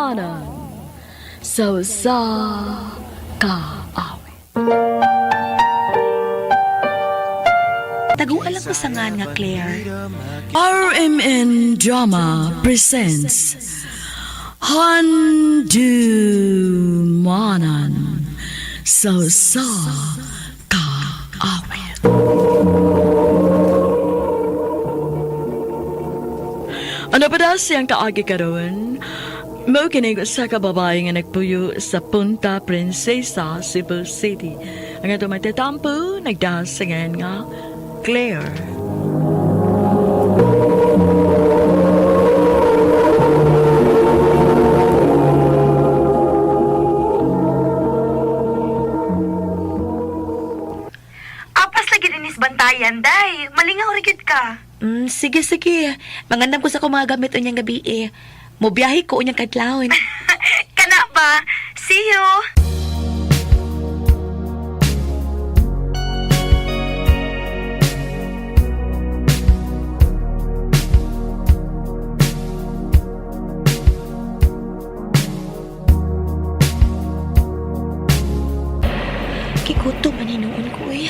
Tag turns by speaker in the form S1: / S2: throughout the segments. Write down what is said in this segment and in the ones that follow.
S1: Manan sa kaawit.
S2: Taguan lang ko sa nga Claire.
S1: RMN Drama presents Handumanan sa kaawit. Ano pa daw siyang kaagi karon? Mao kinig sa kababae nga nagpuyo sa Punta Princesa, Cebu City. Ang ato magtatampo, nagdasangan nga Claire.
S2: Apas lagi dinis bantayan, day. Malingaw rigid ka. Sige. Mangandam ko sa ko mga gamit unyang gabi eh. Mobiyahe ko unyang kadlawin. Kana ba? See you! Kikuto maninuon ko eh.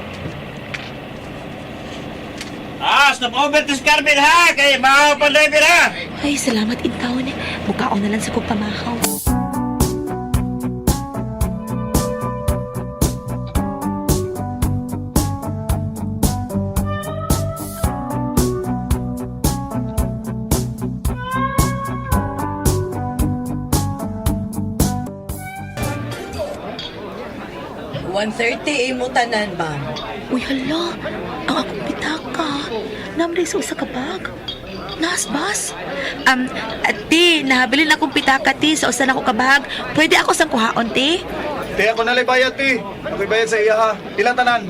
S3: Stop over to Scarpin ha! Kaya maaw pa driver ha!
S2: Ay, salamat intaon eh. Mukhaon na lang sa kong pamahaw.
S4: imo tanan, ma'am.
S2: Uy, hala. Ang akong pitaka. Namri sa usa ka bag. Nasbas. Ati, nahabilin akong pitaka, ti, sa usa na ko kabag. Pwede ako sang kuhaon, ti?
S5: Te, ako nalay bayad, ti. Ako'y bayad sa iya, ha. Ilang tanan?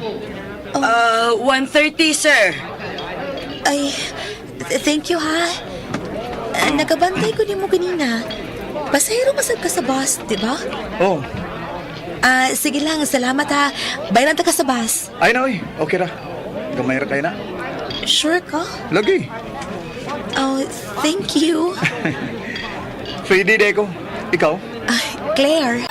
S4: 130, sir.
S2: Ay, thank you, ha. Nagabantay ko ni mo ganina. Pasahero masag ka sa bus, di ba?
S5: Oh,
S2: Sige lang, salamat ha. Bayaran ta ka sa bus.
S5: ay na, oy. Okay ra. Gamay ra kayo na.
S2: Sure ka?
S5: Lagi.
S2: Oh, thank you.
S5: Free day ko. Ikaw?
S2: Claire.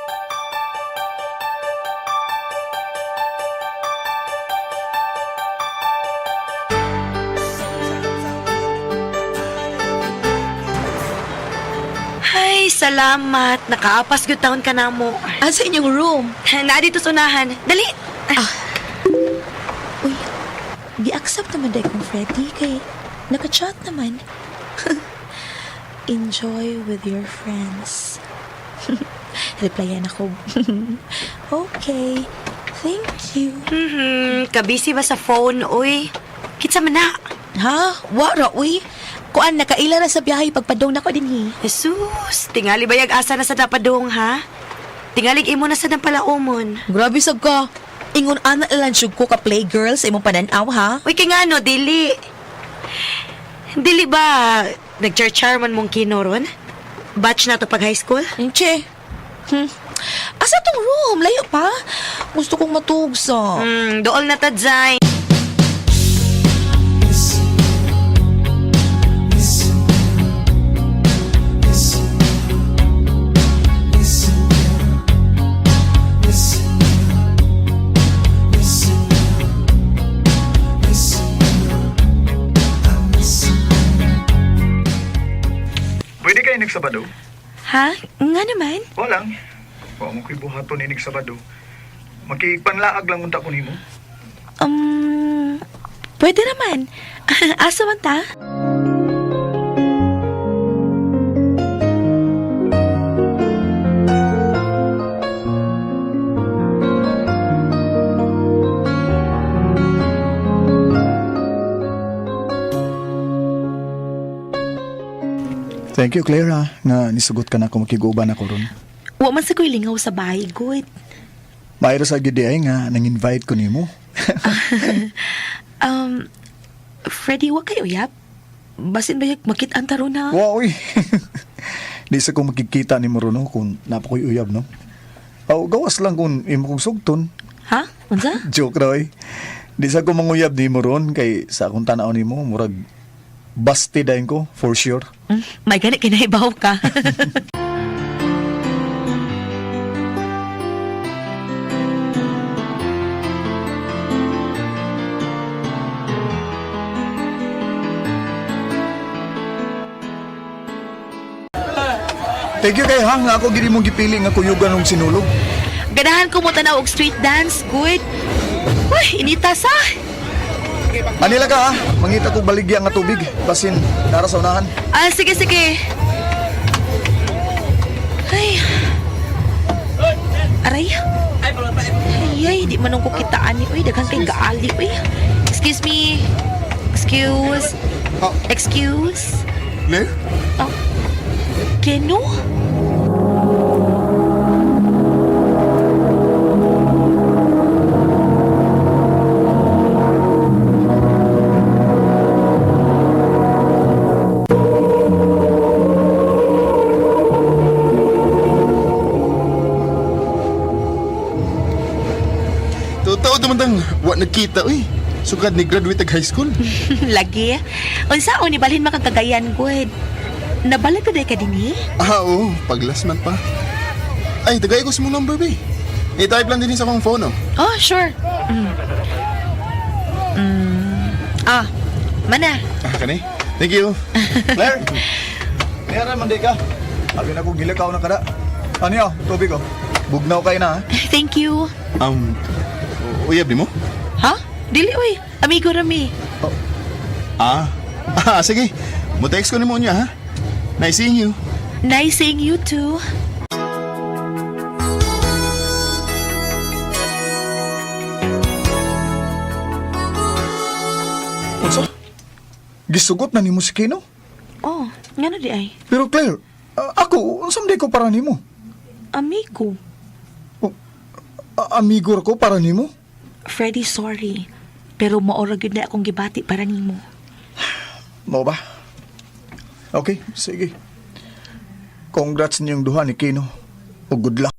S2: Ay, salamat. Nakaapas gyud taon ka na mo. Sa inyong room? Na dito sunahan. Dali. Uy, di-accept naman dahil kong Freddy kay naka-chat naman. Enjoy with your friends. Replyan ako. Okay. Thank you.
S6: Kabisi ba sa phone, uy? Kitsa man na.
S2: Ha? Wara, uy. Kuan, nakaila na sa biyahe pagpadong na ko din hi.
S6: Jesus, tingali bayag asa na sa dapadong, ha? Tingalig imo na sa dampalaumon.
S2: Grabe sab ka. Ingon ana lang syug ko ka playgirl sa imong pananaw, ha?
S6: Uy, kay nga no, dili. Dili ba, nag-char-char man mong kinoron? Batch na to pag high school?
S2: Che. Asa tong room? Layo pa? Gusto kong matugsa.
S6: Dool na tadzay.
S5: Pwede kayo nagsabado?
S2: Ha? Nga naman?
S5: Walang. Wa mo ko'y buhaton inig Sabado. Magkipanglaag lang unta ko nimo.
S2: Pwede naman. Asa man ta?
S5: Thank you, Clara, nga nisugot ka na kung makiguban ako ron.
S2: Wa man sa ko'y lingaw sa bahay, good.
S5: Mayroon sa gidi ay nga nang-invite ko nimo.
S2: Freddy, wa kayo yap? Basin ba makit-an taro na?
S5: Wow, uy. Di sa kong makikita ni Morono kung napakoy uyab, no? Aw, gawas lang kung imo kong sugton.
S2: Ha? Unsa?
S5: Joke, Roy. Di sa kong manguyab ni Moron kay sa akong tanaw ni mo, murag basti dahin ko, for sure.
S6: May ganit kinaibaw ka.
S5: Thank you kay Hang nga ako gini mong gipili nga kuyugan ng sinulog.
S6: Ganahan ko mo tanaw og street dance, good. Uy, inita sa.
S5: Anila ka ha, mangita ko baligya nga tubig. Basin, nara sa unahan.
S6: Ah, sige, sige. Ay. Aray. Ay, di man ko kitaan ni. Uy, daghang kay gaali. Uy. Excuse me. Excuse.
S5: Oh.
S6: Excuse.
S5: Claire?
S6: Oh. Keno?
S4: Totoo tumandang, wa nagkita, uy. Sukad ni graduate ag high school.
S6: Lagi. Unsaon ni balhin makagagayan, good. Nabalag ka day ka din eh?
S4: Oo, paglas man pa. Ay, tagay ko sa mong number, be. I-type lang din sa akong phone, oh.
S6: Oh, sure. Ah, mana?
S4: Ah, kani? Thank you.
S5: Claire! Mayara man di ka. Abi na ko gilakaw na kada. Ano yun? Tubig ko. Bugnaw kayo na ha.
S6: Thank you.
S4: Uyab di mo?
S6: Ha? Dili, uy. Amigo rami.
S4: Sige. Mo-text ko ni mo niya, ha? Nice seeing you.
S6: Nice seeing you too.
S5: Unsa? Gisugot na ni mo si Kino?
S6: Oh, nga na di ay.
S5: Pero Claire, ako, unsam di ko para nimo?
S6: Amigo.
S5: Amigo ko para nimo?
S6: Freddy, sorry. Pero maorag yun na akong gibati para nimo.
S5: Mo ba? Okay, sige. Congrats niyong duha ni Kino. O good luck.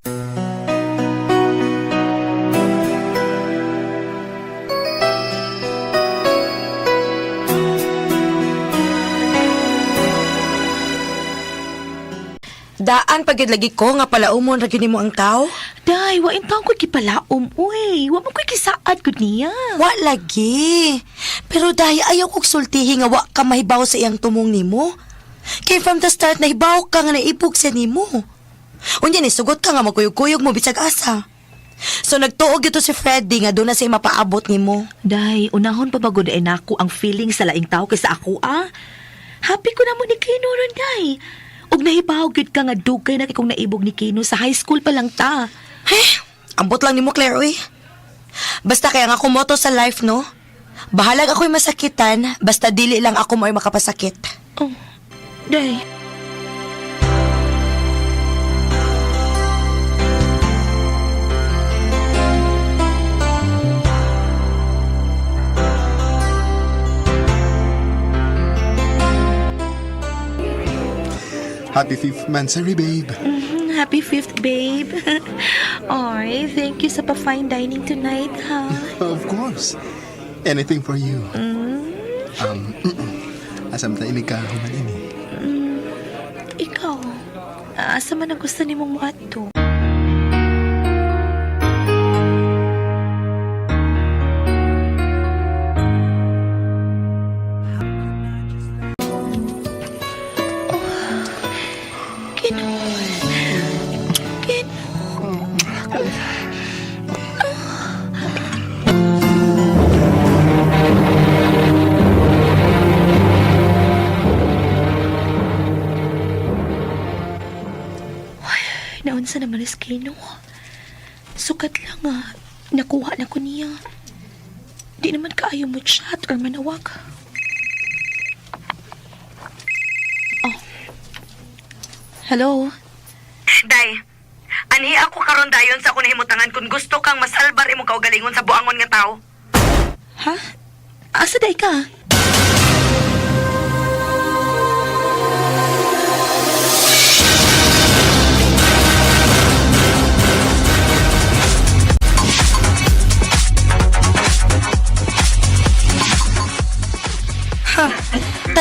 S2: Daan pagyud lagi ko nga pala umon ra gyud mo ang tao.
S6: Day, wa intang ko gipalaom, uy. Wa mo ko gisaad gud niya.
S2: Wa lagi. Pero dahil ayaw kong sultihi nga wa ka mahibaw sa iyang tumong nimo. Kay from the start nahibaw ka nga naibog sa nimo. Unya ni sugot ka nga magkuyog-kuyog mo bisag asa. So nagtuog ito si Freddy nga doon na siya mapaabot nimo.
S6: Day, unahon pa bagod ay nako ang feeling sa laing tao kaysa ako, ah. Happy ko na mo ni Kino ron, day. Og nahibaw gid ka nga dugay na kung naibog ni Kino sa high school pa lang ta.
S2: Ambot lang nimo Claire uy. Basta kaya nga kumoto sa life no. Bahalag ako'y masakitan basta dili lang ako mo'y makapasakit.
S6: Oh, day.
S4: Happy 5th Mansari, babe.
S6: Happy 5th, babe. Ay, thank you sa pa-fine dining tonight, ha?
S4: Of course. Anything for you. Asam tayo nagkahuman ini.
S6: Ikaw, asa man ang gusto ni mong maato? Naunsa naman is Kino. Sukat lang nga. Nakuha na ko niya. Di naman kaayo mo chat or manawag. Oh. Hello?
S2: Day, anhi ako karon dayon sa akong himutangan kung gusto kang masalbar imong kaugalingon sa buangon nga tao.
S6: Ha? Asa day ka?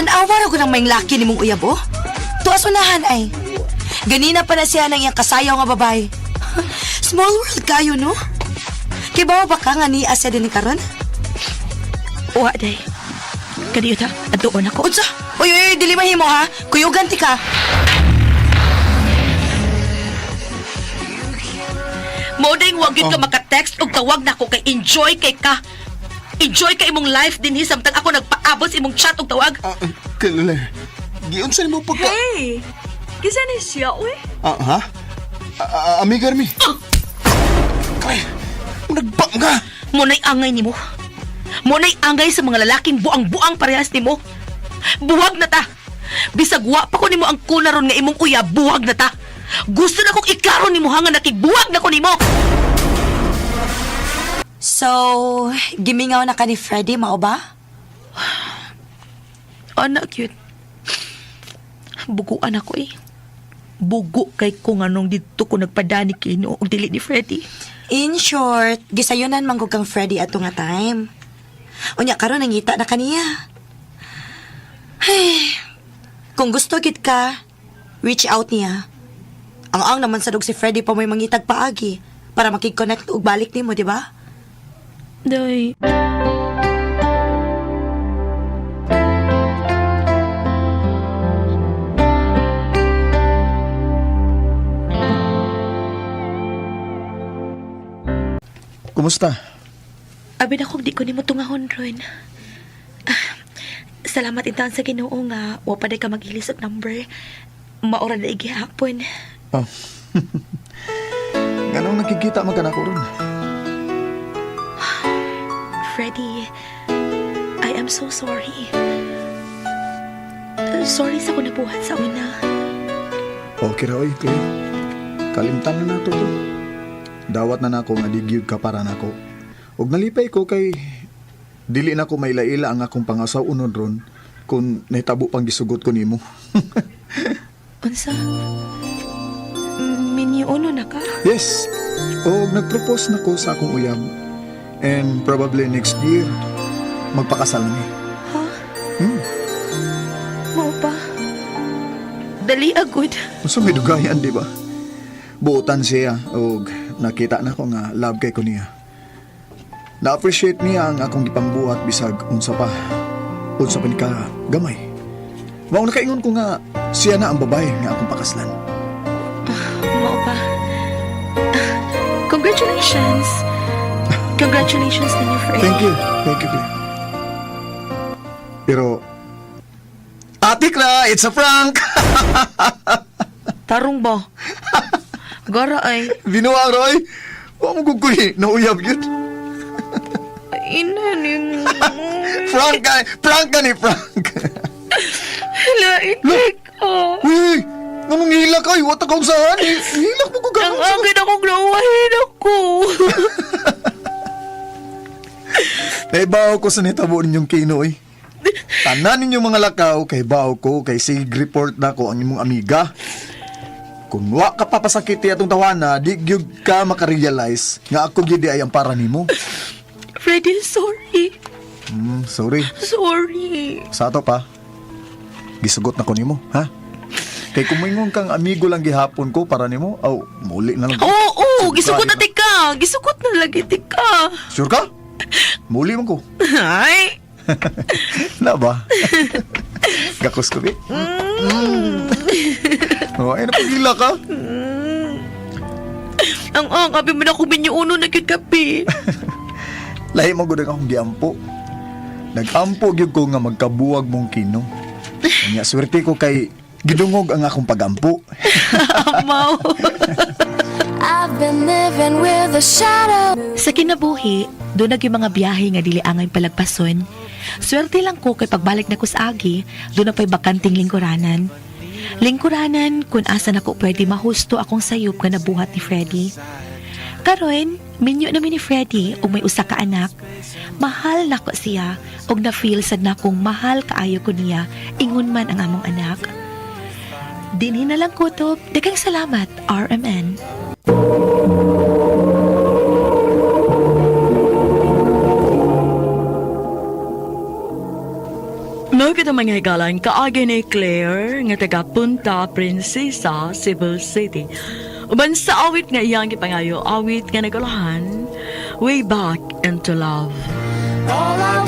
S2: Tanawa ra ko ng may laki ni mong uyab, oh. Tuas unahan ay. Ganina pa na siya ng iyang kasayaw nga babae. Small world kayo, no? Kibaw ba ka nga ni Asya din ni karon?
S6: Wa day. Kadiyo ta, adoon ako.
S2: Unsa? Uy, dili mahimo ha. Kuyugan ti ka.
S6: Mo ding wag yun ka maka-text og tawag na ako kay enjoy kay ka. Enjoy kay imong life dinhi samtang ako nagpaabot sa imong chat og tawag.
S4: Kalulay. Giyon sa mo pagka...
S1: Hey! Kisa ni siya, uy.
S4: Ha? Amiga Armi. Kay, nagbang ka.
S6: Munay angay nimo. Munay angay sa mga lalaking buang-buang parehas nimo. Buwag na ta. Bisag wa pa ko nimo ang kunaron nga imong uyab, buwag na ta. Gusto na kong ikaron nimo hanga nakigbuwag na ko nimo.
S2: So, gimingaw na ka ni Freddy, mao ba?
S6: Anak cute. Buguan ako eh. Bugo kay kung anong dito ko nagpadani kino og dili ni Freddy.
S2: In short, gisayunan manggog kang Freddy ato nga time. Unya karon nangita na kaniya. Ay, kung gusto gid ka, reach out niya. Ang naman sadog si Freddy pa may mangitag paagi para makig-connect og balik nimo, di ba?
S6: Day.
S5: Kumusta?
S6: Abi na kung di ko nimo tungahon ron. Salamat intan sa Ginoo nga wa pa day ka maghilis og number. Maura na igihapon.
S5: Oh. Ganong nakikita man ka na ko ron.
S6: Freddy, I am so sorry. Sorry sa ko nabuhat sa una.
S5: Okay ra, oy, kuya. Kalimtan na nato to. Dawat na nako nga digyud ka para nako. Ug nalipay ko kay dili na ko mailaila ang akong pangasaw unod ron kung nahitabo pang gisugot ko nimo.
S6: Unsa? Miniuno na ka?
S5: Yes. Og nagpropose na ko sa akong uyab. And probably next year magpakasal na ni.
S6: Ha?
S5: Hmm.
S6: Mao pa? Dali agud.
S5: Unsa may dugayan, di ba? Buotan siya og nakita na ko nga love kay ko niya. Na-appreciate niya ang akong gipangbuhat bisag unsa pa ni ka gamay. Mao nakaingon ko nga siya na ang babae nga akong pakaslan.
S6: Mao pa? Congratulations! Congratulations ninyo, Freddy.
S5: Thank you, Claire. Pero Atik na, it's a prank!
S6: Tarong ba? Gara ay.
S5: Binuwa, Roy! Huwag mo guguhi, nauyab yun.
S6: Ina ni mo.
S5: Prank ka ni Frank!
S6: Lain ka.
S5: Uy! Anong hila ka? Iwata ka saan eh. Hilak mo ko
S6: Ang
S5: gano'n.
S6: agad akong lawahin ako.
S5: Naibaw ko sa nitabo ninyong kino eh. Tanan ninyong mga lakaw, kay baw ko, kay sig report na ko ang inyong amiga. Kung wa ka papasakiti atong tawana, di gyud ka makarealize nga ako gyud ay ang para nimo.
S6: Freddy, sorry.
S5: Sorry.
S6: Sorry.
S5: Sa ato pa. Gisugot na ko nimo, ha? Kay kumingon kang amigo lang gihapon ko para nimo, aw muli na lang.
S6: Oo, gisukot na
S5: Sigurado
S6: tika. Gisukot na lagi tika.
S5: Sure ka? Muli man ko.
S6: Ay.
S5: Na ba? Gakos ko, eh. Oh, ay napagila ka.
S6: Ang kabi mo na kung binyuuno na kyud kapi.
S5: Lahi mo gud akong giampo. Nagampo gyud ko nga magkabuwag mong kino. Nya swerte ko kay gidungog ang akong pagampo.
S6: Amaw.
S7: I've been living with a shadow.
S6: Sa kinabuhi, doon yung mga biyahe nga dili angay palagpason. Swerte lang ko kay pagbalik na ko sa agi, doon na pa'y bakanting lingkuranan. Lingkuranan kung asa na ko pwede mahusto akong sayop nga nabuhat ni Freddy. Karon, minyo namin ni Freddy og may usa ka anak. Mahal na ko siya og na-feel sad na kong mahal kaayo ko niya ingon man ang among anak. Dinhi na lang kutob, daghang salamat, RMN.
S1: Mao kita mga higalan kaagi ni Claire nga taga Punta Princesa, Cebu City. Uban sa awit nga iyang gipangayo, awit nga nagulahan, Way Back into Love.